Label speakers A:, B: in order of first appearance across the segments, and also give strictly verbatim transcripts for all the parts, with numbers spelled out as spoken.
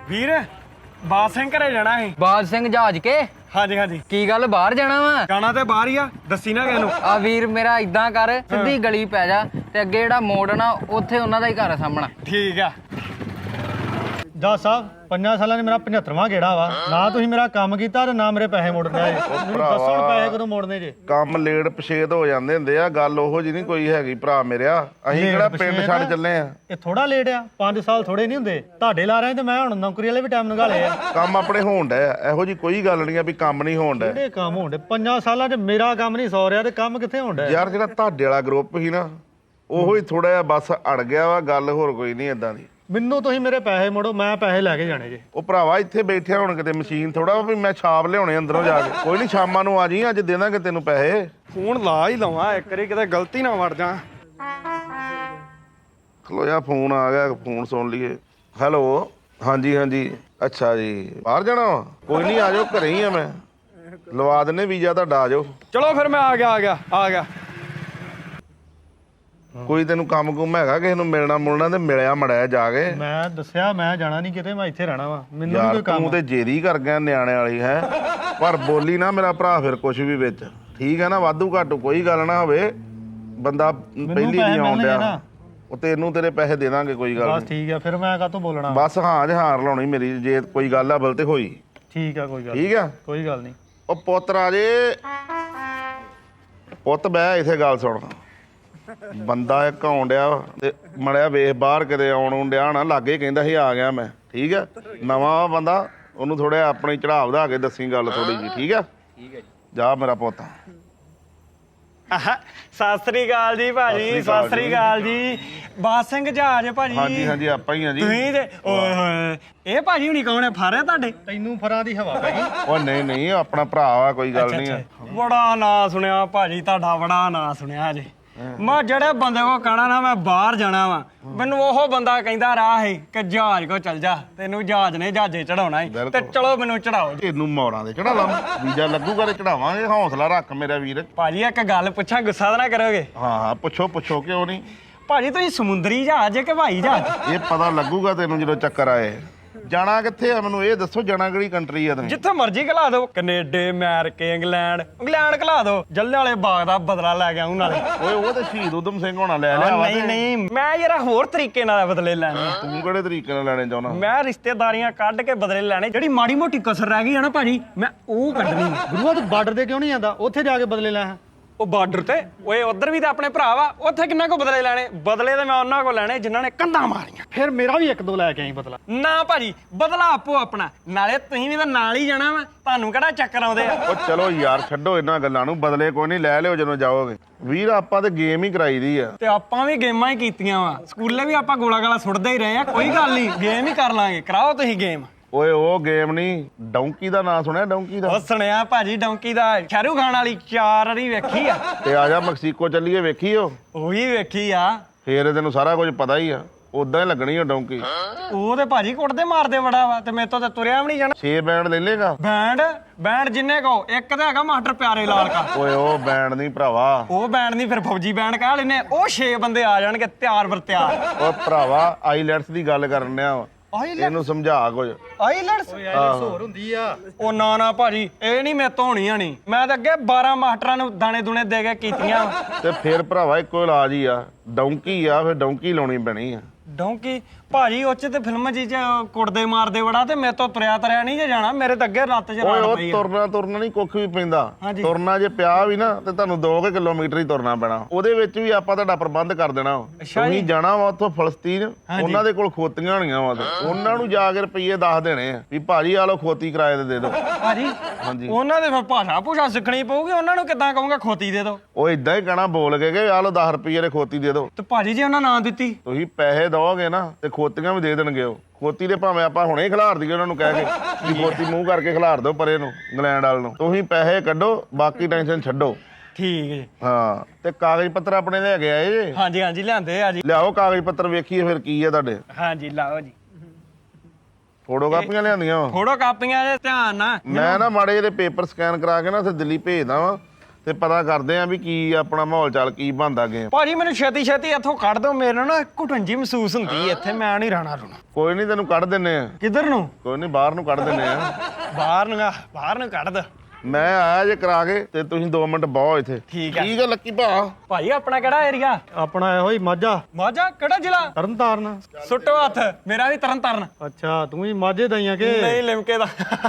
A: ਵੀਰ ਬਾਦ ਸਿੰਘ ਘਰੇ ਜਾਣਾ ਸੀ।
B: ਬਾਦ ਸਿੰਘ ਜਹਾਜ਼ ਕੇ?
A: ਹਾਂਜੀ ਹਾਂਜੀ।
B: ਕੀ ਗੱਲ ਬਾਹਰ ਜਾਣਾ ਵਾ?
A: ਜਾਣਾ ਤੇ ਬਾਹਰ ਹੀ ਆ, ਦੱਸੀ ਨਾ ਕਿਸੇ ਨੂੰ।
B: ਆ ਵੀਰ ਮੇਰਾ ਇਦਾਂ ਕਰ, ਸਿੱਧੀ ਗਲੀ ਪੈ ਜਾ ਤੇ ਅੱਗੇ ਜਿਹੜਾ ਮੋੜ ਨਾ ਉੱਥੇ ਉਹਨਾਂ ਦਾ ਹੀ ਘਰ ਆ ਸਾਹਮਣਾ।
A: ਠੀਕ ਆ।
C: ਜੱਜ ਸਾਹਿਬ ਪੰਜਾਂ ਸਾਲਾਂ ਨੇ ਮੇਰਾ ਪਝੱਤਰਵਾਂ ਗੇੜਾ ਵਾ ਨਾ ਤੁਸੀਂ ਮੇਰਾ ਕੰਮ ਕੀਤਾ ਤੇ ਨਾ ਮੇਰੇ ਪੈਸੇ ਮੋੜਨੇ ਆਏ। ਮੈਨੂੰ ਦੱਸੋ ਹੁਣ ਪੈਸੇ ਕਦੋਂ ਮੋੜਨੇ ਜੇ?
D: ਕੰਮ ਲੇਟ ਪਛੇਤ ਹੋ ਜਾਂਦੇ ਹੁੰਦੇ ਆ, ਗੱਲ ਉਹੋ ਜੀ ਨਹੀਂ ਕੋਈ ਹੈਗੀ ਭਰਾ ਮੇਰਿਆ। ਅਸੀਂ ਕਿਹੜਾ ਪਿੰਡ ਛੱਡ ਚੱਲੇ ਆ।
C: ਇਹ ਥੋੜਾ ਲੇਟ ਆ, ਪੰਜ ਸਾਲ ਥੋੜੇ ਨਹੀਂ ਹੁੰਦੇ। ਤੁਹਾਡੇ ਲਾ ਰਹੇ ਤੇ ਮੈਂ ਹੁਣ ਨੌਕਰੀ ਵਾਲੇ ਵੀ ਟਾਈਮ ਨਿਕਾਲੇ ਆ।
D: ਕੰਮ ਆਪਣੇ ਹੋਣ ਡਿਆ, ਇਹੋ ਜੀ ਕੋਈ ਗੱਲ ਨਹੀਂ ਆ ਵੀ ਕੰਮ ਨਹੀਂ ਹੋਣ ਡਿਆ।
C: ਕਿਹੜੇ ਕੰਮ ਹੋਣ ਡੇ? ਪੰਜਾਂ ਸਾਲਾਂ 'ਚ ਮੇਰਾ ਕੰਮ ਨਹੀਂ ਸੌ ਰਿਹਾ ਤੇ ਕੰਮ ਕਿੱਥੇ ਹੋਣ ਡਿਆ?
D: ਯਾਰ ਜਿਹੜਾ ਤੁਹਾਡੇ ਵਾਲਾ ਗਰੁੱਪ ਸੀ ਨਾ ਉਹੋ ਹੀ ਥੋੜਾ ਜਿਹਾ ਬਸ ਅੜ ਗਿਆ ਵਾ, ਗੱਲ ਹੋਰ ਕੋਈ ਨਹੀਂ ਏਦਾਂ ਦੀ।
C: ਮੈਨੂੰ ਤੁਸੀਂ ਮੇਰੇ ਪੈਸੇ ਮੋੜੋ, ਮੈਂ ਪੈਸੇ ਲੈ ਕੇ ਜਾਣੇ ਜੇ।
D: ਉਹ ਭਰਾਵਾ ਇੱਥੇ ਬੈਠਿਆ ਹੁਣ ਕਿਤੇ ਮਸ਼ੀਨ ਥੋੜਾ ਵੀ ਮੈਂ ਛਾਪ ਲਿਆਉਣੇ ਅੰਦਰੋਂ ਜਾ ਕੇ। ਕੋਈ ਨਹੀਂ ਸ਼ਾਮਾਂ ਨੂੰ ਆ ਜੀ, ਅੱਜ ਦੇ ਦਾਂਗੇ ਤੈਨੂੰ ਪੈਸੇ।
A: ਫੋਨ ਲਾ ਹੀ ਲਵਾਂ ਇੱਕ ਵਾਰੀ, ਕਿਤੇ ਗਲਤੀ ਨਾ ਵੜ ਜਾ।
D: ਖਲੋ ਜਾ, ਫੋਨ ਆ ਗਿਆ, ਫੋਨ ਸੁਣ ਲਈਏ। ਹੈਲੋ, ਹਾਂਜੀ ਹਾਂਜੀ, ਅੱਛਾ ਜੀ ਬਾਹਰ ਜਾਣਾ ਵਾ? ਕੋਈ ਨਹੀਂ ਆ ਜਾਓ, ਘਰੇ ਹੀ ਆ ਮੈਂ, ਲਵਾ ਦਿੰਨੇ ਵੀਜ਼ਾ ਤੁਹਾਡਾ, ਆ ਜਾਓ।
A: ਚਲੋ ਫਿਰ ਮੈਂ ਆ ਗਿਆ ਆ ਗਿਆ ਆ ਗਿਆ।
D: ਕੋਈ ਤੈਨੂੰ ਕੰਮ ਕੁਮ ਹੈਗਾ ਕਿਸੇ ਨੂੰ ਮਿਲਣਾ ਮੁਲਣਾ ਤੇ ਮਿਲਿਆ ਮੜਿਆ ਜਾ ਕੇ।
C: ਮੈਂ ਦੱਸਿਆ ਮੈਂ ਜਾਣਾ ਨਹੀਂ ਕਿਤੇ, ਮੈਂ ਇੱਥੇ ਰਹਿਣਾ ਵਾ। ਮੈਨੂੰ ਨੀ
D: ਯਾਰ
C: ਕੋਈ ਕੰਮ।
D: ਤੂੰ ਤੇ ਜੇਰੀ ਕਰ ਗਿਆ ਨਿਆਣੇ ਵਾਲੀ ਹੈ, ਪਰ ਬੋਲੀ ਨਾ ਮੇਰਾ ਭਰਾ ਫਿਰ ਕੁਛ ਵੀ ਵਿੱਚ, ਠੀਕ ਹੈ ਨਾ? ਵਾਧੂ ਘਾਟੂ ਕੋਈ ਗੱਲ ਨਾ ਹੋਵੇ, ਬੰਦਾ ਪਹਿਲੀ ਨਹੀਂ ਆਉਣ ਡਿਆ। ਉਹ ਤੈਨੂੰ ਤੇਰੇ ਪੈਸੇ ਦੇ ਦਾਂਗੇ, ਕੋਈ ਗੱਲ
C: ਬਸ ਠੀਕ ਆ, ਫਿਰ ਮੈਂ ਕਾਹਤੋਂ ਬੋਲਣਾ?
D: ਬਸ ਹਾਂ ਜਹਾਰ ਲਾਉਣੀ ਮੇਰੀ, ਜੇ ਕੋਈ ਗੱਲ ਆ ਬਲ ਤੇ ਹੋਈ।
C: ਠੀਕ ਆ, ਕੋਈ ਗੱਲ
D: ਠੀਕ ਆ,
C: ਕੋਈ ਗੱਲ ਨਹੀਂ।
D: ਉਹ ਪੁੱਤ ਰਾਜੇ, ਪੁੱਤ ਬਹਿ ਇੱਥੇ, ਗੱਲ ਸੁਣ। ਬੰਦਾ ਇੱਕ ਆਉਣ ਡਿਆ ਤੇ ਮੜਿਆ ਵੇਖ ਬਾਹਰ ਕਿਤੇ ਆਉਣ ਡਿਆ ਨਾ, ਲਾਗੇ ਕਹਿੰਦਾ ਸੀ ਆ ਗਿਆ ਮੈਂ, ਠੀਕ ਆ? ਨਵਾਂ ਬੰਦਾ, ਉਹਨੂੰ ਥੋੜਾ ਆਪਣੀ ਚੜਾਅ ਵਧਾ ਕੇ ਦੱਸੀ ਗੱਲ ਥੋੜੀ ਜੀ, ਠੀਕ ਆ? ਠੀਕ ਹੈ ਜੀ। ਜਾ ਮੇਰਾ ਪੁੱਤ।
A: ਸਤਿ ਸ੍ਰੀ ਅਕਾਲ ਜੀ ਭਾਜੀ, ਸਤਿ ਸ੍ਰੀ ਅਕਾਲ ਜੀ। ਬਾਦ ਸਿੰਘ ਜਹਾਜ਼ ਭਾਜੀ?
D: ਹਾਂਜੀ ਹਾਂਜੀ, ਆਪਾਂ ਹੀ ਆ ਜੀ।
A: ਤੁਸੀਂ ਤੇ ਓਏ ਹੋਏ, ਇਹ ਭਾਜੀ ਹੁਣੀ ਕੌਣ ਹੈ? ਫਾਰੇ ਤੁਹਾਡੇ?
C: ਤੈਨੂੰ ਫਰਾਂ ਦੀ ਹਵਾ ਪੈ ਗਈ?
D: ਉਹ ਨਹੀਂ ਨਹੀਂ, ਆਪਣਾ ਭਰਾ ਆ, ਕੋਈ ਗੱਲ ਨਹੀਂ ਆ।
A: ਬੜਾ ਨਾਂ ਸੁਣਿਆ ਭਾਜੀ ਤੁਹਾਡਾ, ਬੜਾ ਨਾਂ ਸੁਣਿਆ ਜੀ। ਮੈਂ ਜਿਹੜੇ ਬੰਦੇ ਕੋ ਕਹਿਣਾ ਨਾ ਮੈਂ ਬਾਹਰ ਜਾਣਾ ਵਾ, ਮੈਨੂੰ ਉਹ ਬੰਦਾ ਕਹਿੰਦਾ ਰਾਹ ਹੈ ਕਿ ਜਹਾਜ਼ ਕੋ ਚੱਲ ਜਾ, ਤੈਨੂੰ ਜਹਾਜ਼ ਨੇ ਜਹਾਜ਼ੇ ਚੜਾਉਣਾ ਹੈ ਤੇ ਚਲੋ ਮੈਨੂੰ ਚੜਾਓ ਜੀ।
D: ਤੈਨੂੰ ਮੌੜਾਂ ਦੇ ਚੜਾ ਲਾ, ਵੀਜ਼ਾ ਲੱਗੂਗਾ ਤੇ ਚੜਾਵਾਂਗੇ। ਹੌਸਲਾ ਰੱਖ ਮੇਰਾ ਵੀਰ।
A: ਭਾਜੀ ਇੱਕ ਗੱਲ ਪੁੱਛਾਂ, ਗੁੱਸਾ ਤਾਂ ਨਾ ਕਰੋਗੇ?
D: ਹਾਂ ਹਾਂ, ਪੁੱਛੋ ਪੁੱਛੋ, ਕਿਉਂ ਨਹੀਂ।
A: ਭਾਜੀ ਤੁਸੀਂ ਸਮੁੰਦਰੀ ਜਹਾਜ਼ ਕਿ ਹਵਾਈ ਜਹਾਜ਼?
D: ਇਹ ਪਤਾ ਲੱਗੂਗਾ ਤੈਨੂੰ ਜਦੋਂ ਚੱਕਰ ਆਏ। ਜਾਣਾ ਕਿੱਥੇ ਆ ਮੈਨੂੰ ਇਹ ਦੱਸੋ, ਜਾਣਾ ਕਿਹੜੀ ਕੰਟਰੀ ਆ ਤੁਸੀਂ?
A: ਜਿੱਥੇ ਮਰਜ਼ੀ ਘਲਾ ਦਿਓ, ਕੈਨੇਡਾ, ਅਮਰੀਕਾ, ਇੰਗਲੈਂਡ। ਇੰਗਲੈਂਡ ਘਲਾ ਦਿਓ, ਜੱਲੇ ਵਾਲੇ ਬਾਗ ਦਾ ਬਦਲਾ ਲੈ ਕੇ ਆਉਂ ਨਾਲੇ।
D: ਓਏ ਉਹ ਤੇ ਸ਼ਹੀਦ ਊਧਮ ਸਿੰਘ ਹੋਣਾ ਲੈ ਲਿਆ ਵਾ।
A: ਨਹੀਂ ਨਹੀਂ, ਮੈਂ ਯਾਰ ਹੋਰ ਤਰੀਕੇ ਨਾਲ ਬਦਲੇ ਲੈਣੇ।
D: ਤੂੰ ਕਿਹੜੇ ਤਰੀਕੇ ਨਾਲ ਲੈਣੇ ਚਾਹੁੰਦਾ?
A: ਮੈਂ ਰਿਸ਼ਤੇਦਾਰੀਆਂ ਕੱਢ ਕੇ ਬਦਲੇ ਲੈਣੇ, ਜਿਹੜੀ ਮਾੜੀ ਮੋਟੀ ਕਸਰ ਰਹਿ ਗਈ ਹੈ ਨਾ ਭਾਜੀ, ਮੈਂ ਉਹ ਕੱਢਣੀ।
C: ਗੁਰੂਆ ਤੂੰ ਬਾਰਡਰ ਤੇ ਕਿਉਂ ਨਹੀਂ ਜਾਂਦਾ? ਉੱਥੇ ਜਾ ਕੇ ਬਦਲੇ ਲੈ।
A: ਉਹ ਬਾਰਡਰ ਤੇ ਓਏ ਉਧਰ ਵੀ ਤਾਂ ਆਪਣੇ ਭਰਾ ਵਾ, ਉੱਥੇ ਕਿੰਨਾ ਕੋ ਬਦਲੇ ਲੈਣੇ? ਬਦਲੇ ਤੇ ਮੈਂ ਉਹਨਾਂ ਕੋ ਲੈਣੇ ਜਿਨ੍ਹਾਂ ਨੇ ਕੰਧਾਂ ਮਾਰੀਆਂ।
C: ਫਿਰ ਮੇਰਾ ਵੀ ਇੱਕ ਦੋ ਲੈ ਕੇ ਆਈ ਬਦਲਾ।
A: ਨਾ ਭਾਜੀ, ਬਦਲਾ ਆਪੋ ਆਪਣਾ, ਨਾਲੇ ਤੁਸੀਂ ਵੀ ਤਾਂ ਨਾਲ ਹੀ ਜਾਣਾ ਵਾ, ਤੁਹਾਨੂੰ ਕਿਹੜਾ ਚੱਕਰ ਆਉਂਦੇ ਆ?
D: ਉਹ ਚਲੋ ਯਾਰ ਛੱਡੋ ਇਹਨਾਂ ਗੱਲਾਂ ਨੂੰ, ਬਦਲੇ ਕੋਈ ਨਹੀਂ, ਲੈ ਲਿਓ ਜਦੋਂ ਜਾਓਗੇ। ਵੀਰ ਆਪਾਂ ਤੇ ਗੇਮ ਹੀ ਕਰਾਈ ਦੀ ਆ।
A: ਤੇ ਆਪਾਂ ਵੀ ਗੇਮਾਂ ਹੀ ਕੀਤੀਆਂ ਵਾ, ਸਕੂਲੇ ਵੀ ਆਪਾਂ ਗੋਲਾ ਗਾਲਾ ਸੁੱਟਦੇ ਹੀ ਰਹੇ ਆ। ਕੋਈ ਗੱਲ ਨਹੀਂ, ਗੇਮ ਹੀ ਕਰ ਲਾਂਗੇ, ਕਰਾਓ ਤੁਸੀਂ ਗੇਮ।
D: ਓਏ ਉਹ ਗੇਮ ਨਹੀਂ, ਡੌਂਕੀ ਦਾ ਨਾਂ ਸੁਣਿਆ? ਡੌਂਕੀ ਦਾ
A: ਉਹ ਸੁਣਿਆ ਭਾਜੀ, ਡੌਂਕੀ ਦਾ, ਸ਼ਾਹਰੁਖ ਖਾਨ ਵਾਲੀ ਚਾਰ ਵਾਰੀ ਵੇਖੀ ਆ।
D: ਤੇ ਆ ਜਾ ਮੈਕਸੀਕੋ ਚੱਲੀਏ, ਵੇਖੀ ਉਹ?
A: ਉਹੀ ਵੇਖੀ ਆ।
D: ਫੇਰ ਤੈਨੂੰ ਸਾਰਾ ਕੁਝ ਪਤਾ ਹੀ ਆ, ਉਦਾਂ ਹੀ ਲੱਗਣੀ ਆ ਡੌਂਕੀ।
A: ਉਹ ਤੇ ਭਾਜੀ ਕੁੱਟਦੇ ਮਾਰਦੇ ਬੜਾ ਵਾ, ਤੇ ਮੇਰੇ ਤੋਂ ਤੇ ਤੁਰਿਆ ਵੀ ਨਹੀਂ ਜਾਣਾ।
D: ਛੇ ਬੈਂਡ ਲੈ ਲੇਗਾ?
A: ਬੈਂਡ ਬੈਂਡ ਜਿੰਨੇ ਕੋ, ਇੱਕ ਤਾਂ ਹੈਗਾ ਮਾਸਟਰ ਪਿਆਰੇ ਲਾਲ ਕਾ।
D: ਓਏ ਉਹ ਬੈਂਡ ਨਹੀਂ ਭਰਾਵਾ,
A: ਉਹ ਬੈਂਡ ਨਹੀਂ, ਫਿਰ ਫੌਜੀ ਬੈਂਡ ਕਹਿ ਲੈਨੇ। ਉਹ ਛੇ ਬੰਦੇ ਆ ਜਾਣਗੇ ਤਿਆਰ ਬਰ ਤਿਆਰ।
D: ਓ ਭਰਾਵਾ ਆਈਲੈਟਸ ਦੀ ਗੱਲ ਕਰਨ ਆ, ਇਹਨੂੰ ਸਮਝਾ ਕੁਝ।
A: ਆਈਲੈਟਸ
C: ਹੋਰ ਹੁੰਦੀ ਆ।
A: ਉਹ ਨਾ ਨਾ ਭਾਜੀ, ਇਹ ਨਹੀਂ ਮੈਂ ਧੋਣੀਆਂ ਨਹੀਂ, ਮੈਂ ਤਾਂ ਅੱਗੇ ਬਾਰਾਂ ਮਾਸਟਰਾਂ ਨੂੰ ਦਾਣੇ ਦੂਣੇ ਦੇ ਕੇ ਕੀਤੀਆਂ।
D: ਤੇ ਫਿਰ ਭਰਾਵਾ ਇੱਕੋ ਇਲਾਜ ਹੀ ਆ, ਡੌਂਕੀ ਆ, ਫਿਰ ਡੌਂਕੀ ਲਾਉਣੀ ਪੈਣੀ ਆ।
A: ਡੌਂਕੀ ਭਾਜੀ ਉਹ ਚ ਤੇ ਫਿਲਮ ਜੀ ਚ ਕੁੱਟਦੇ ਮਾਰਦੇ ਬੜਾ, ਤੇ ਮੇਰੇ ਤੋਂ ਤੁਰਿਆ ਤਰਿਆ ਨਹੀਂ ਜੇ ਜਾਣਾ, ਮੇਰੇ ਤਾਂ ਅੱਗੇ ਲੱਤ ਚ
D: ਓਏ
A: ਰੜ
D: ਉਹ
A: ਪਈ ਆ।
D: ਤੁਰਨਾ ਤੁਰਨਾ ਨਹੀਂ ਕੁੱਖ ਵੀ ਪੈਂਦਾ,
A: ਹਾਂਜੀ।
D: ਤੁਰਨਾ ਜੇ ਪਿਆ ਵੀ ਨਾ ਤੇ ਤੁਹਾਨੂੰ ਦੋ ਕੁ ਕਿਲੋਮੀਟਰ ਹੀ ਤੁਰਨਾ ਪੈਣਾ। ਉਹਦੇ ਵਿੱਚ ਵੀ ਆਪਾਂ ਤੁਹਾਡਾ ਪ੍ਰਬੰਧ ਕਰ ਦੇਣਾ। ਤੁਸੀਂ ਜਾਣਾ ਵਾ ਉੱਥੋਂ ਫਲਸਤੀਨ, ਉਹਨਾਂ ਦੇ ਕੋਲ ਖੋਤੀਆਂ ਹੋਣੀਆਂ ਵਾ, ਉਹਨਾਂ ਨੂੰ ਜਾ ਕੇ ਰੁਪਈਏ ਦੱਸ ਦੇਣੇ ਆ ਵੀ ਭਾਜੀ ਆ ਲਓ ਖੋਤੀ ਕਿਰਾਏ ਤੇ ਦੇ ਦਿਓ।
A: ਭਾਜੀ
D: ਹਾਂਜੀ,
A: ਉਹਨਾਂ ਦੇ ਫਿਰ ਭਾਸ਼ਾ ਭੂਸ਼ਾ ਸਿੱਖਣੀ ਪਊਗੀ, ਉਹਨਾਂ ਨੂੰ ਕਿੱਦਾਂ ਕਹੂੰਗਾ ਖੋਤੀ ਦੇ ਦਿਓ?
D: ਉਹ ਇਦਾਂ ਹੀ ਕਹਿਣਾ ਬੋਲ ਕੇ ਕਿ ਆ ਲਓ ਦਸ ਰੁਪਈਏ ਦੇ ਖੋਤੀ ਦੇ ਦਿਓ।
A: ਤੇ ਭਾਜੀ ਜੇ ਉਹਨਾਂ ਨਾਂ ਦਿੱਤੀ?
D: ਤੁਸੀਂ ਪੈਸੇ ਦਓਗੇ ਨਾ ਤੇ ਖੋਤੀਆਂ ਵੀ ਦੇ ਦੇਣਗੇ ਉਹ। ਖੋਤੀ ਦੇ ਭਾਵੇਂ ਆਪਾਂ ਹੁਣੇ ਹੀ ਖਿਲਾਰ ਦਈਏ ਉਹਨਾਂ ਨੂੰ ਕਹਿ ਕੇ ਵੀ ਖੋਤੀ ਮੂੰਹ ਕਰਕੇ ਖਿਲਾਰ ਦਿਓ ਪਰੇ ਨੂੰ, ਇੰਗਲੈਂਡ ਵਾਲ ਨੂੰ। ਤੁਸੀਂ ਪੈਸੇ ਕੱਢੋ, ਬਾਕੀ ਟੈਨਸ਼ਨ ਛੱਡੋ।
A: ਠੀਕ ਜੀ।
D: ਹਾਂ, ਤੇ ਕਾਗਜ਼ ਪੱਤਰ ਆਪਣੇ ਲੈ ਕੇ ਆਏ ਜੇ?
A: ਹਾਂਜੀ ਹਾਂਜੀ ਲਿਆਂਦੇ ਆ ਜੀ।
D: ਲਿਆਓ ਕਾਗਜ਼ ਪੱਤਰ, ਵੇਖੀਏ ਫਿਰ ਕੀ ਆ ਤੁਹਾਡੇ।
A: ਹਾਂਜੀ ਲਾਓ ਜੀ।
D: ਫੋਟੋ ਕਾਪੀਆਂ ਲਿਆਂਦੀਆਂ ਵਾ?
A: ਫੋਟੋ ਕਾਪੀਆਂ ਦੇ ਧਿਆਨ ਨਾਲ।
D: ਮੈਂ ਨਾ ਮਾੜੇ ਜਿਹੇ ਪੇਪਰ ਸਕੈਨ ਕਰਾ ਕੇ ਨਾ ਉੱਥੇ ਦਿੱਲੀ ਭੇਜਦਾ ਵਾਂ, ਤੇ ਪਤਾ ਕਰਦੇ ਆ ਵੀ ਕੀ ਆਪਣਾ ਮਾਹੌਲ ਚਾਲ ਕੀ ਬਣਦਾ ਗੇਮ।
A: ਭਾਜੀ ਮੈਨੂੰ ਛੇਤੀ ਛੇਤੀ ਇੱਥੋਂ ਕੱਢ ਦੋ, ਮੇਰੇ ਨਾ ਘੁਟਣ ਜੀ ਮਹਿਸੂਸ ਹੁੰਦੀ ਇੱਥੇ, ਮੈਂ ਨਹੀਂ ਰਹਿਣਾ ਰੁਣਾ।
D: ਕੋਈ ਨਹੀਂ ਤੈਨੂੰ ਕੱਢ ਦਿੰਨੇ ਆ।
A: ਕਿੱਧਰ ਨੂੰ?
D: ਕੋਈ ਨਹੀਂ ਬਾਹਰ ਨੂੰ ਕੱਢ ਦਿੰਨੇ ਆ।
A: ਬਾਹਰ ਨੂੰ ਆ, ਬਾਹਰ ਨੂੰ ਕੱਢ ਦੋ।
D: ਮੈਂ ਆਇਆ ਜੇ ਕਰਾ ਕੇ ਤੇ ਤੁਸੀਂ ਦੋ ਮਿੰਟ ਬਹੁ ਇੱਥੇ।
A: ਠੀਕ ਆ।
D: ਠੀਕ ਆ ਲੱਕੀ ਭਾ।
A: ਭਾਜੀ ਆਪਣਾ ਕਿਹੜਾ ਏਰੀਆ?
C: ਆਪਣਾ ਇਹੋ ਹੀ ਮਾਝਾ
A: ਮਾਝਾ ਕਿਹੜਾ ਜ਼ਿਲ੍ਹਾ?
C: ਤਰਨਤਾਰਨ।
A: ਸੁੱਟੋ ਹੱਥ, ਮੇਰਾ ਵੀ ਤਰਨ ਤਾਰਨ।
C: ਅੱਛਾ ਤੂੰ ਵੀ ਮਾਝੇ ਦਾ ਹੀ ਆ ਕਿ?
A: ਨਹੀਂ ਲਿਮਕੇ ਦਾ।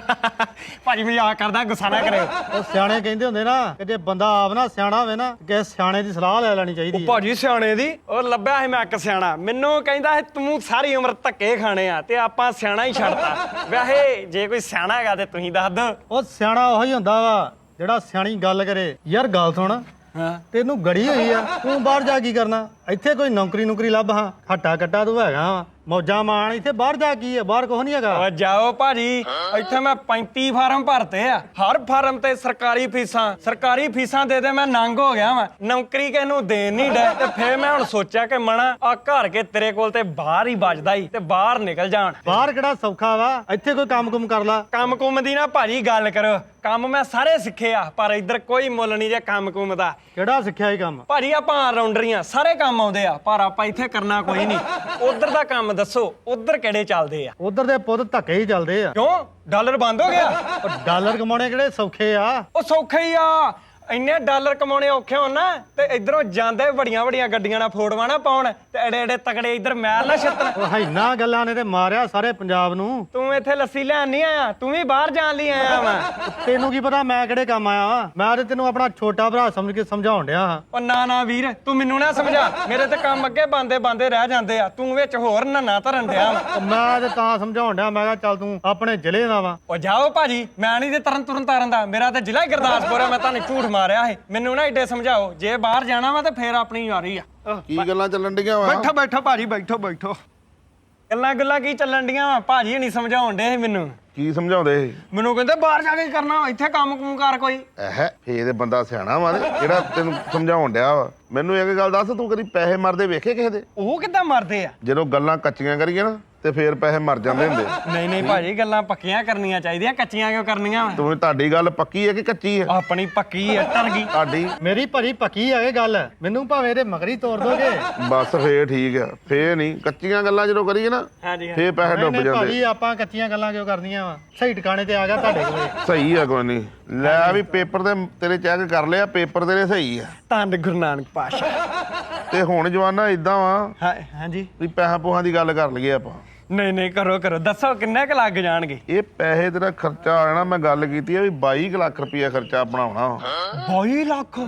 A: ਭਾਜੀ ਮਜ਼ਾਕ ਕਰਦਾ, ਗੁੱਸਾ ਨਾ ਕਰਿਓ।
C: ਉਹ ਸਿਆਣੇ ਕਹਿੰਦੇ ਹੁੰਦੇ ਨਾ ਕਿ ਜੇ ਬੰਦਾ ਆਪ ਨਾ ਸਿਆਣਾ ਹੋਵੇ ਨਾ ਕਿ ਸਿਆਣੇ ਦੀ ਸਲਾਹ ਲੈ ਲੈਣੀ ਚਾਹੀਦੀ ਹੈ।
A: ਭਾਜੀ ਸਿਆਣੇ ਦੀ ਉਹ ਲੱਭਿਆ ਸੀ ਮੈਂ ਇੱਕ ਸਿਆਣਾ, ਮੈਨੂੰ ਕਹਿੰਦਾ ਸੀ ਤੂੰ ਸਾਰੀ ਉਮਰ ਧੱਕੇ ਖਾਣੇ ਆ ਤੇ ਆਪਾਂ ਸਿਆਣਾ ਹੀ ਛੱਡਤਾ। ਵੈਸੇ ਜੇ ਕੋਈ ਸਿਆਣਾ ਹੈਗਾ ਤੇ ਤੁਸੀਂ ਦੱਸ ਦਿਓ।
C: ਉਹ ਸਿਆਣਾ ਉਹੀ ਹੁੰਦਾ ਵਾ ਜਿਹੜਾ ਸਿਆਣੀ ਗੱਲ ਕਰੇ। ਯਾਰ ਗੱਲ ਸੁਣ,
A: ਹਾਂ
C: ਤੈਨੂੰ ਗੜੀ ਹੋਈ ਆ, ਤੂੰ ਬਾਹਰ ਜਾ ਕੀ ਕਰਨਾ? ਇੱਥੇ ਕੋਈ ਨੌਕਰੀ ਨੌਕਰੀ ਲੱਭ ਹਾਂ, ਹੱਟਾ ਕੱਟਾ ਤੂੰ ਹੈਗਾ ਵਾ, ਮੌਜਾਂ ਮਾਣ। ਇੱਥੇ ਬਾਹਰ ਜਾ ਕੀ ਹੈ? ਬਾਹਰ ਕੁਛ ਨਹੀਂ ਹੈਗਾ।
A: ਓ ਜਾਓ ਭਾਜੀ, ਇੱਥੇ ਮੈਂ ਪੈਂਤੀ ਫਾਰਮ ਭਰਤੇ ਆ, ਹਰ ਫਾਰਮ ਤੇ ਸਰਕਾਰੀ ਫੀਸਾਂ ਸਰਕਾਰੀ ਫੀਸਾਂ ਦੇ ਦੇ ਮੈਂ ਨੰਗ ਹੋ ਗਿਆ ਵਾਂ। ਨੌਕਰੀ ਕਿਸ ਨੂੰ ਦੇਣ ਨਹੀਂ ਡੇ ਤੇ ਫੇਰ ਮੈਂ ਹੁਣ ਸੋਚਿਆ ਕਿ ਮਣਾ ਆ ਘਰ ਕੇ ਤੇਰੇ ਕੋਲ ਤੇ ਬਾਹਰ ਹੀ ਵੱਜਦਾ ਹੀ ਤੇ ਬਾਹਰ ਨਿਕਲ ਜਾਣ।
C: ਬਾਹਰ ਕਿਹੜਾ ਸੌਖਾ ਵਾ? ਇੱਥੇ ਕੋਈ ਕੰਮ ਕੁਮ ਕਰ ਲਾ।
A: ਕੰਮ ਕੁਮ ਦੀ ਨਾ ਭਾਜੀ ਗੱਲ ਕਰੋ, ਕੰਮ ਮੈਂ ਸਾਰੇ ਸਿੱਖੇ ਆ ਪਰ ਇੱਧਰ ਕੋਈ ਮੁੱਲ ਨਹੀਂ ਜੇ ਕੰਮ ਕੁਮ ਦਾ।
C: ਕਿਹੜਾ ਸਿੱਖਿਆ ਇਹ ਕੰਮ?
A: ਭਾਜੀ ਆਪਾਂ ਰਾਉਂਡਰੀਆਂ ਸਾਰੇ ਕੰਮ ਆਉਂਦੇ ਆ ਪਰ ਆਪਾਂ ਇੱਥੇ ਕਰਨਾ ਕੋਈ ਨਹੀਂ। ਉਧਰ ਦਾ ਕੰਮ ਦੱਸੋ, ਉਧਰ ਕਿਹੜੇ ਚੱਲਦੇ ਆ?
C: ਉਧਰ ਦੇ ਪੁੱਤ ਧੱਕੇ ਹੀ ਚੱਲਦੇ ਆ।
A: ਕਿਉਂ ਡਾਲਰ ਬੰਦ ਹੋ ਗਿਆ?
C: ਉਹ ਡਾਲਰ ਕਮਾਉਣੇ ਕਿਹੜੇ ਸੌਖੇ ਆ?
A: ਉਹ ਸੌਖੇ ਹੀ ਆ, ਇੰਨੇ ਡਾਲਰ ਕਮਾਉਣੇ ਔਖੇ ਹੋਣ ਨਾ ਤੇ ਇਧਰੋਂ ਜਾਂਦੇ ਵੱਡੀਆਂ ਵੱਡੀਆਂ ਗੱਡੀਆਂ ਨਾਲ ਫੋਟੋਆਂ ਨਾ ਪਾਉਣ ਤੇ ਐਡੇ ਐਡੇ ਤਕੜੇ ਇਧਰ ਮੈਲ ਨਾ ਛੱਤਣ।
C: ਉਹ ਹੈਨਾ ਗੱਲਾਂ ਨੇ ਤੇ ਮਾਰਿਆ ਸਾਰੇ ਪੰਜਾਬ ਨੂੰ।
A: ਤੂੰ ਇੱਥੇ ਲੱਸੀ ਲੈਣ ਨਹੀਂ ਆਇਆ, ਤੂੰ ਵੀ ਬਾਹਰ ਜਾਣ ਲਈ ਆਇਆ ਵਾ।
C: ਤੈਨੂੰ ਕੀ ਪਤਾ ਮੈਂ ਕਿਹੜੇ ਕੰਮ ਆਇਆ ਵਾਂ? ਮੈਂ ਤੇ ਤੈਨੂੰ ਆਪਣਾ ਛੋਟਾ ਭਰਾ ਸਮਝ ਕੇ ਸਮਝਾਉਣ ਡਿਆ ਹਾਂ।
A: ਉਹ ਨਾ ਨਾ ਵੀਰ, ਤੂੰ ਮੈਨੂੰ ਨਾ ਸਮਝਾ, ਮੇਰੇ ਤੇ ਕੰਮ ਅੱਗੇ ਬੰਦੇ ਬੰਦੇ ਰਹਿ ਜਾਂਦੇ ਆ, ਤੂੰ ਵਿੱਚ ਹੋਰ ਨੰਨਾ ਧਰਨ ਡਿਆ ਵਾ।
C: ਉਹ ਮੈਂ ਤੇ ਤਾਂ ਸਮਝਾਉਣ ਡਿਆ, ਮੈਂ ਕਿਹਾ ਚੱਲ ਤੂੰ ਆਪਣੇ ਜ਼ਿਲ੍ਹੇ ਦਾ ਵਾ।
A: ਉਹ ਜਾਓ ਭਾਜੀ, ਮੈਂ ਨਹੀਂ ਤੇ ਤਰਨ ਤੁਰਨ ਤਾਰਨ ਦਾ, ਮੇਰਾ ਤੇ ਜ਼ਿਲ੍ਹਾ ਹੀ ਗੁਰਦਾਸਪੁਰ ਆ। ਮੈਂ ਤੁਹਾਨੂੰ ਝੂਠ ਮਾਰਿਆ ਸੀ, ਮੈਨੂੰ ਨਾ ਏਡੇ ਸਮਝਾਓ। ਜੇ ਬਾਹਰ ਜਾਣਾ ਵਾ ਤੇ ਫੇਰ ਆਪਣੀ ਯਾਰੀ ਆ।
D: ਕੀ ਗੱਲਾਂ ਚੱਲਣ ਡੀਆਂ ਵਾ?
A: ਬੈਠੋ ਬੈਠੋ ਭਾਜੀ, ਬੈਠੋ ਬੈਠੋ। ਗੱਲਾਂ ਗੱਲਾਂ ਕੀ ਚੱਲਣ ਡੀਆਂ ਵਾ? ਭਾਜੀ ਨਹੀਂ ਸਮਝਾਉਣ ਡੇ ਸੀ ਮੈਨੂੰ।
D: ਕੀ ਸਮਝਾਉਂਦੇ ਸੀ?
A: ਮੈਨੂੰ ਕਹਿੰਦੇ ਬਾਹਰ ਜਾ ਕੇ ਕਰਨਾ, ਇੱਥੇ ਕੰਮ ਕੁਮ ਕਰ ਕੋਈ।
D: ਐਹ ਫੇਰ ਇਹ ਬੰਦਾ ਸਿਆਣਾ ਵਾ ਤੇ ਜਿਹੜਾ ਤੈਨੂੰ ਸਮਝਾਉਣ ਡਿਆ ਵਾ। ਮੈਨੂੰ ਇੱਕ ਗੱਲ ਦੱਸ, ਤੂੰ ਕਦੀ ਪੈਸੇ ਮਰਦੇ ਵੇਖੇ ਕਿਸੇ ਦੇ?
A: ਉਹ ਕਿੱਦਾਂ ਮਰਦੇ ਆ?
D: ਜਦੋਂ ਗੱਲਾਂ ਕੱਚੀਆਂ ਕਰੀਏ ਨਾ ਤੇ ਫੇਰ ਪੈਸੇ ਮਰ ਜਾਂਦੇ ਹੁੰਦੇ।
A: ਨਹੀਂ ਨਹੀਂ ਭਾਜੀ, ਗੱਲਾਂ ਪੱਕੀਆਂ ਕਰਨੀਆਂ ਚਾਹੀਦੀਆਂ, ਕੱਚੀਆਂ ਕਿਉਂ ਕਰਨੀਆਂ ਵਾ?
D: ਤੂੰ ਤੁਹਾਡੀ ਗੱਲ ਪੱਕੀ ਹੈ ਕਿ ਕੱਚੀ ਹੈ?
A: ਆਪਣੀ ਪੱਕੀ ਆ, ਟਰ ਗਈ।
D: ਤੁਹਾਡੀ
C: ਮੇਰੀ ਭਰੀ ਪੱਕੀ ਆ ਇਹ ਗੱਲ। ਮੈਨੂੰ ਭਾਵੇਂ ਇਹਦੇ ਮਗਰੀ ਤੋੜ ਦੋਗੇ।
D: ਬਸ ਫੇਰ ਠੀਕ ਆ। ਫੇਰ ਨਹੀਂ ਕੱਚੀਆਂ ਗੱਲਾਂ ਜਦੋਂ ਕਰੀਏ ਨਾ
A: ਹਾਂਜੀ
D: ਫੇਰ ਪੈਸੇ
C: ਨਹੀਂ
D: ਡੁੱਬ
C: ਨਹੀਂ
D: ਜਾਂਦੇ।
C: ਭਾਜੀ, ਆਪਾਂ ਕੱਚੀਆਂ ਗੱਲਾਂ ਕਿਉਂ ਕਰਨੀਆਂ ਵਾ? ਸਹੀ ਟਿਕਾਣੇ ਤੇ ਆ ਗਿਆ ਤੁਹਾਡੇ ਕੋਲੇ।
D: ਸਹੀ ਆ, ਕੋਈ ਨਹੀਂ। ਲੈ ਵੀ ਪੇਪਰ ਤੇ ਤੇਰੇ ਚੈੱਕ ਕਰ ਲਿਆ, ਪੇਪਰ ਤੇਰੇ ਸਹੀ ਆ।
A: ਧੰਨ ਗੁਰੂ ਨਾਨਕ ਪਾਸ਼ਾ।
D: ਤੇ ਹੁਣ ਜਵਾਨਾ ਇਦਾਂ ਵਾ
A: ਹਾਂ ਹਾਂਜੀ।
D: ਵੀ ਪੈਸਾ ਪੂਹਾਂ ਦੀ ਗੱਲ ਕਰ ਲਈਏ ਆਪਾਂ।
A: ਨਹੀਂ ਨਹੀਂ ਕਰੋ ਕਰੋ, ਦੱਸੋ ਕਿੰਨੇ ਕੁ ਲੱਗ ਜਾਣਗੇ?
D: ਇਹ ਪੈਸੇ ਤੇਰਾ ਖਰਚਾ ਆ ਜਾਣਾ। ਮੈਂ ਗੱਲ ਕੀਤੀ ਆ ਵੀ ਬਾਈ ਕੁ ਲੱਖ ਰੁਪਇਆ ਖਰਚਾ ਬਣਾਉਣਾ ਵਾ।
A: ਬਾਈ ਲੱਖ?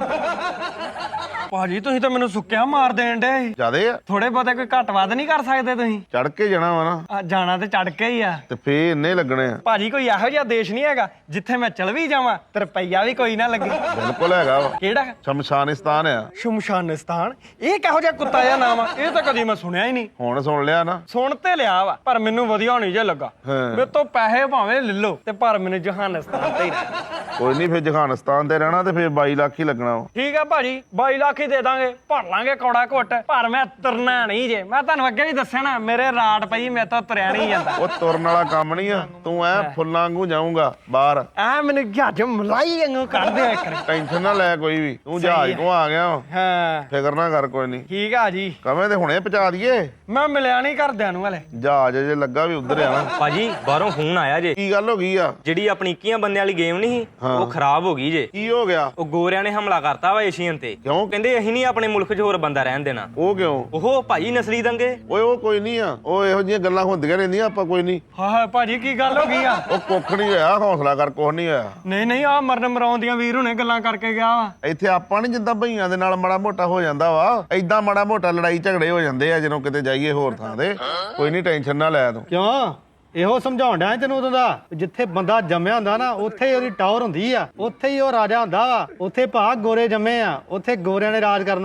A: ਭਾਜੀ ਤੁਸੀਂ ਤਾਂ ਮੈਨੂੰ ਸੁੱਕਿਆ ਮਾਰ ਦੇਣ ਡੇ।
D: ਜਿਆਦੇ ਆ?
A: ਥੋੜੇ ਬਹੁਤੇ ਕੋਈ ਘੱਟ ਵੱਧ ਨਹੀਂ ਕਰ ਸਕਦੇ ਤੁਸੀਂ?
D: ਚੜ ਕੇ ਜਾਣਾ ਵਾ ਨਾ
A: ਆ, ਜਾਣਾ ਤੇ ਚੜ ਕੇ ਹੀ ਆ।
D: ਤੇ ਫੇਰ ਇੰਨੇ ਲੱਗਣੇ ਆ।
A: ਭਾਜੀ ਕੋਈ ਇਹੋ ਜਿਹਾ ਦੇਸ਼ ਨਹੀਂ ਹੈਗਾ ਜਿੱਥੇ ਮੈਂ ਚਲ ਵੀ ਜਾਵਾਂ ਤੇ ਰੁਪਈਆ ਵੀ ਕੋਈ ਨਾ ਲੱਗੇ।
D: ਬਿਲਕੁਲ ਹੈਗਾ ਵਾ।
A: ਕਿਹੜਾ?
D: ਸ਼ਮਸ਼ਾਨਿਸਤਾਨ ਆ।
A: ਸ਼ਮਸ਼ਾਨਿਸਤਾਨ? ਇਹ ਕਿਹੋ ਜਿਹਾ ਕੁੱਤਾ ਜਿਹਾ ਨਾਮ ਆ? ਇਹ ਤਾਂ ਕਦੀ ਮੈਂ ਸੁਣਿਆ ਹੀ ਨਹੀਂ।
D: ਹੁਣ ਸੁਣ ਲਿਆ ਨਾ?
A: ਸੁਣ ਤੇ ਲਿਆ ਵਾ ਪਰ ਮੈਨੂੰ ਵਧੀਆ ਨਹੀਂ ਜੇ ਲੱਗਾ।
D: ਹਾਂ।
A: ਮੇਰੇ ਤੋਂ ਪੈਸੇ ਭਾਵੇਂ ਲੈ ਲਓ ਤੇ ਪਰ ਮੈਨੂੰ ਜਹਾਨਿਸਤਾਨ ਤੇ ਹੀ ਰਹਿਣਾ।
D: ਕੋਈ ਨਹੀਂ, ਫੇਰ ਜਹਾਨਿਸਤਾਨ ਤੇ ਰਹਿਣਾ ਤੇ ਫੇਰ ਬਾਈ ਲੱਖ ਹੀ ਲੱਗਣਾ ਵਾ।
A: ਠੀਕ ਆ ਭਾਜੀ, ਬਾਈ ਲੱਖ ਹੀ ਦੇ ਦਾਂਗੇ, ਭਰ ਲਾਂਗੇ ਕੌੜਾ ਘੁੱਟ। ਪਰ ਮੈਂ ਤੁਰਨਾ ਨਹੀਂ ਜੇ, ਮੈਂ ਤੁਹਾਨੂੰ ਅੱਗੇ ਵੀ ਦੱਸਿਆ ਨਾ, ਮੇਰੇ ਰਾਟ ਪਈ, ਮੇਰੇ ਤੋਂ ਤੁਰਿਆ ਨਹੀਂ ਜਾਂਦਾ।
D: ਉਹ ਤੁਰਨ ਵਾਲਾ ਕੰਮ ਨਹੀਂ ਆ। ਤੂੰ ਐ ਫੁੱਲਾਂ ਵਾਂਗੂ ਜਾਊਂਗਾ ਬਾਹਰ।
A: ਐ ਮੈਨੂੰ ਜਹਾਜ਼ ਮਲਾਈ ਵਾਂਗੂ ਕੱਢ ਦਿਆ ਇੱਕ।
D: ਟੈਨਸ਼ਨ ਨਾ ਲੈ ਕੋਈ ਵੀ। ਤੂੰ ਜਹਾਜ਼ ਕੋ ਆ ਗਿਆ ਵਾ।
A: ਹਾਂ
D: ਫਿਕਰ ਨਾ ਕਰ ਕੋਈ ਨਹੀਂ।
A: ਠੀਕ ਆ ਜੀ।
D: ਕਵੇਂ ਤੇ ਹੁਣੇ ਪਹੁੰਚਾ ਦਈਏ।
A: ਮੈਂ ਮਿਲਿਆ ਨਹੀਂ ਘਰਦਿਆਂ ਨੂੰ ਹਲੇ।
D: ਜਹਾਜ਼ ਜੇ ਲੱਗਾ ਵੀ ਉਧਰ ਆ ਨਾ।
E: ਭਾਜੀ ਬਾਹਰੋਂ ਫੋਨ ਆਇਆ ਜੇ,
D: ਕੀ ਗੱਲ ਹੋ ਗਈ ਆ?
E: ਜਿਹੜੀ ਆਪਣੀ ਇੱਕੀਆਂ ਬੰਦਿਆਂ ਵਾਲੀ ਗੇਮ ਨਹੀਂ ਸੀ,
D: ਹਾਂ।
E: ਉਹ ਖਰਾਬ ਹੋ ਗਈ ਜੇ।
D: ਕੀ ਹੋ ਗਿਆ?
E: ਉਹ ਗੋਰਿਆਂ ਨੇ ਹਮਲਾ ਕਰਤਾ ਵਾ ਏਸ਼ੀਅਨ ਤੇ।
D: ਕਿਉਂ?
E: ਕਹਿੰਦੇ ਅਸੀਂ ਨਹੀਂ ਆਪਣੇ ਮੁਲਕ 'ਚ ਹੋਰ ਬੰਦਾ ਰਹਿਣ ਦੇਣਾ।
D: ਉਹ ਕਿਉਂ?
E: ਉਹ ਭਾਜੀ ਨਸਲੀ ਦੰਗੇ।
D: ਓਏ ਉਹ ਕੋਈ ਨਹੀਂ ਆ। ਉਹ ਇਹੋ ਜਿਹੀਆਂ ਗੱਲਾਂ ਹੁੰਦੀਆਂ ਰਹਿੰਦੀਆਂ, ਆਪਾਂ ਕੋਈ ਨਹੀਂ।
A: ਹਾਂ ਹਾਂ ਭਾਜੀ ਕੀ ਗੱਲ ਹੋ ਗਈ ਆ?
D: ਉਹ ਕੁੱਖ ਨਹੀਂ ਹੋਇਆ, ਹੌਸਲਾ ਕਰ, ਕੁਛ ਨਹੀਂ ਹੋਇਆ।
A: ਨਹੀਂ ਨਹੀਂ ਆ ਮਰਨ ਮਰਾਉਣ ਦੀਆਂ ਵੀਰ ਹੁਣੇ ਗੱਲਾਂ ਕਰਕੇ ਗਿਆ ਵਾ।
D: ਇੱਥੇ ਆਪਾਂ ਨਹੀਂ ਜਿੱਦਾਂ ਭਈਆਂ ਦੇ ਨਾਲ ਮਾੜਾ ਮੋਟਾ ਹੋ ਜਾਂਦਾ ਵਾ, ਏਦਾਂ ਮਾੜਾ ਮੋਟਾ ਲੜਾਈ ਝਗੜੇ ਹੋ ਜਾਂਦੇ ਆ ਜਦੋਂ ਕਿਤੇ ਜਾਈਏ ਹੋਰ ਥਾਂ ਤੇ। ਕੋਈ ਨਹੀਂ, ਟੈਨਸ਼ਨ ਨਾ ਲੈ ਤੂੰ।
C: ਕਿਉਂ? ਇਹੋ ਸਮਝਾਉਣ ਡਿਆ ਤੈਨੂੰ ਉਦੋਂ ਦਾ। ਜਿੱਥੇ ਬੰਦਾ ਜੰਮਿਆ ਹੁੰਦਾ ਨਾ ਉੱਥੇ ਹੀ ਉਹਦੀ ਟਾਵਰ ਹੁੰਦੀ ਆ, ਉੱਥੇ ਹੀ ਉਹ ਰਾਜਾ ਹੁੰਦਾ ਵਾ। ਉੱਥੇ ਭਾ ਗੋਰੇ ਜੰਮੇ ਆ, ਉੱਥੇ ਗੋਰਿਆਂ ਨੇ ਰਾਜ ਕਰਨਾ ਵਾ।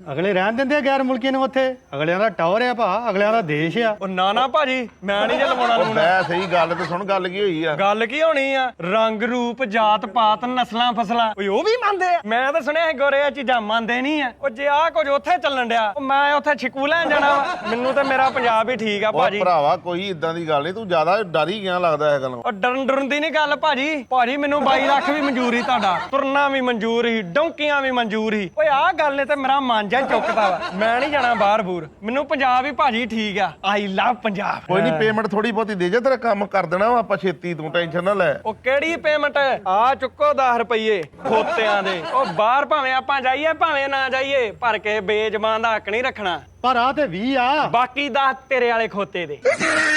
C: ਅਗਲੇ ਰਹਿਣ ਦਿੰਦੇ ਆ ਗੈਰ ਮੁਲਕੀਆਂ ਨੂੰ ਉੱਥੇ ਅਗਲਿਆਂ ਦਾ ਟਾਵਰ ਆ ਭਾ ਅਗਲਿਆਂ ਦਾ ਦੇਸ਼ ਆ
A: ਉਹ ਨਾ ਨਾ ਭਾਜੀ ਮੈਂ ਨਹੀਂ ਜੇ ਲਵਾਉਣਾ
D: ਉਹ
A: ਲੂਣਾ
D: ਬੈ ਸਹੀ ਗੱਲ ਤੇ ਸੁਣ ਗੱਲ ਕੀ ਹੋਈ ਆ
A: ਗੱਲ ਕੀ ਹੋਣੀ ਆ ਰੰਗ ਰੂਪ ਜਾਤ ਪਾਤ ਨਸਲਾਂ ਫਸਲਾਂ ਓਏ ਉਹ ਵੀ ਮੰਨਦੇ ਆ ਮੈਂ ਤਾਂ ਸੁਣਿਆ ਸੀ ਗੋਰੇ ਆ ਚੀਜ਼ਾਂ ਮੰਨਦੇ ਨਹੀਂ ਆ ਉਹ ਜੇ ਆ ਕੁਝ ਉੱਥੇ ਚੱਲਣ ਡਿਆ ਉਹ ਮੈਂ ਉੱਥੇ ਛਿਕੂ ਲੈਣ ਜਾਣਾ ਵਾ ਮੈਨੂੰ ਤੇ ਮੇਰਾ ਪੰਜਾਬ ਹੀ ਠੀਕ ਆ
D: ਉਹ
A: ਭਾਜੀ
D: ਭਰਾਵਾ ਕੋਈ ਇਦਾਂ ਦੀ ਗੱਲ ਨਹੀਂ ਤੂੰ ਜ਼ਿਆਦਾ ਡਰ ਹੀ ਗਿਆ ਲੱਗਦਾ ਇਹ ਗੱਲੋਂ
A: ਉਹ ਡਰਨ ਡਰਨ ਦੀ ਨਹੀਂ ਗੱਲ ਭਾਜੀ ਭਾਜੀ ਮੈਨੂੰ ਬਾਈ ਲੱਖ ਵੀ ਮਨਜ਼ੂਰ ਸੀ ਤੁਹਾਡਾ ਤੁਰਨਾ ਵੀ ਮਨਜ਼ੂਰ ਸੀ ਡੌਂਕੀਆਂ ਵੀ ਮਨਜ਼ੂਰ ਸੀ ਓਏ ਆਹ ਗੱਲ ਨੇ ਤੇ ਮੇਰਾ ਮਨ ਜਾ ਚੁੱਕਦਾ ਵਾ ਮੈਂ ਨਹੀਂ ਜਾਣਾ ਬਾਹਰ ਬੂਰ ਮੈਨੂੰ ਪੰਜਾਬ ਹੀ ਭਾਜੀ ਠੀਕ ਆ ਆਈ ਲਵ ਪੰਜਾਬ
D: ਕੋਈ ਨਹੀਂ ਪੇਮੈਂਟ ਥੋੜੀ ਬਹੁਤੀ ਦੇ ਜਾ ਤੇਰਾ ਕੰਮ ਕਰ ਦੇਣਾ ਵਾ ਆਪਾਂ ਛੇਤੀ ਤੂੰ ਟੈਨਸ਼ਨ ਨਾ ਲੈ
A: ਉਹ ਕਿਹੜੀ ਪੇਮੈਂਟ ਆ ਚੁੱਕੋ ਦਸ ਰੁਪਏ ਖੋਤਿਆਂ ਦੇ ਉਹ ਬਾਹਰ ਭਾਵੇਂ ਆਪਾਂ ਜਾਈਏ ਭਾਵੇਂ ਨਾ ਜਾਈਏ ਪਰ ਕੇ ਬੇਜ਼ਬਾਨ ਦਾ ਹੱਕ ਨਹੀਂ ਰੱਖਣਾ
C: ਪਰ ਆ ਤੇ ਵੀਹ ਆ
A: ਬਾਕੀ ਦਸ ਤੇਰੇ ਵਾਲੇ ਖੋਤੇ ਦੇ